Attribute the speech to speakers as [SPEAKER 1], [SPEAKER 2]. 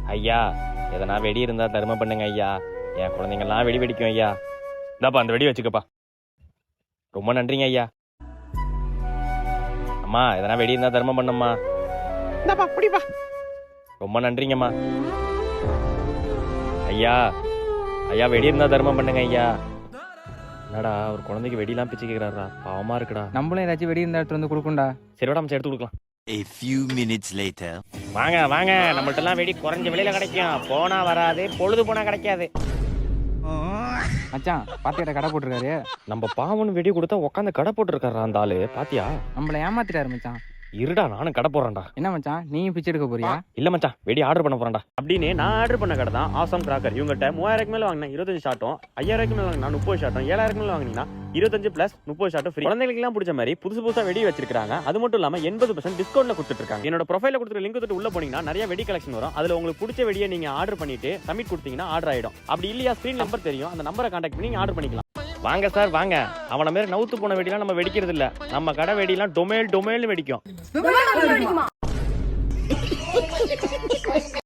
[SPEAKER 1] ஐயா எதனா வெடி இருந்தா தர்ம பண்ணுங்க ஐயா. என் குழந்தைங்கலாம் வெடி வெடிக்கும் ஐயா. இந்தாப்பா அந்த வெடி வச்சுக்கப்பா. ரொம்ப நன்றிங்க ஐயா. அம்மா எதனா வெடி இருந்தா தர்மம் பண்ணும்மா. இந்தாப்பா புடிப்பா. ரொம்ப நன்றிங்கம்மா. ஐயா ஐயா வெடி இருந்தா தர்மம் பண்ணுங்க ஐயா. என்னடா ஒரு குழந்தைக்கு வெடிலாம் பிச்சு கேக்குறாரா, பாவமா இருக்குடா.
[SPEAKER 2] நம்மளும் ஏதாச்சும் வெடி இருந்தா எடுத்து வந்து கொடுக்கும்டா.
[SPEAKER 1] சரி விட எடுத்து கொடுக்கலாம்.
[SPEAKER 3] A few minutes later.
[SPEAKER 1] வாங்க வாங்க, நம்மள்ட்ட எல்லாம் வெடி குறைஞ்ச விலையில கிடைக்கும். போனா வராது, பொழுது போனா கிடைக்காது.
[SPEAKER 2] மச்சான் பாத்தியாட்ட கடை போட்டிருக்காரு.
[SPEAKER 1] நம்ம பாவன் வெடி கொடுத்தா உட்காந்து கடை போட்டுருக்காரா அந்த ஆளு, பாத்தியா?
[SPEAKER 2] நம்மள ஏமாத்திட்டாரு மச்சான்.
[SPEAKER 1] இருடா நானும் கடை போடுறேன்டா.
[SPEAKER 2] என்ன மச்சான் நீயும் பிச்சை எடுக்க போறியா?
[SPEAKER 1] இல்ல மச்சான் வெடி ஆர்டர் பண்ண போறேன்டா. அப்படின்னு நான் ஆர்டர் பண்ண கடை தான் ஆசம் கிராக்கர். இவங்ககிட்ட 3000 மேல வாங்கினா 25 ஷாட்டும், 5000 மேல வாங்கினா 30 ஷாட்டும், 7000 மேல வாங்கினீங்கன்னா 25 பிளஸ் 30 ஷாட்டும் ஃப்ரீ. குழந்தைகளுக்கு எல்லாம் பிடிச்ச மாதிரி புதுசா வெடி வச்சிருக்காங்க. அது மட்டும் இல்லாம 80% டிஸ்கவுண்ட்ல கொடுத்துட்டு இருக்காங்க. என்னோட ப்ரொஃபைல கொடுத்துற லிங்க் தொட்டு உள்ள போனீங்கன்னா நிறைய வெடி கலெக்ஷன் வரும். அதுல உங்களுக்கு பிடிச்ச வெடியை நீங்க ஆர்டர் பண்ணிட்டு சப்மிட் கொடுத்தீங்கன்னா ஆர்டர் ஆயிடும். அப்படி இல்லையா ஸ்கிரீன் நம்பர் தெரியும், அந்த நம்பரை கான்டாக்ட் பண்ணி நீங்க ஆர்டர் பண்ணிக்கலாம். வாங்க சார் வாங்க. அவன மாதிரி நவுத்து போன வெடிலாம் நம்ம வெடிக்கிறது இல்ல. நம்ம கடை வெடிலாம் டொமேல் வெடிக்கும்.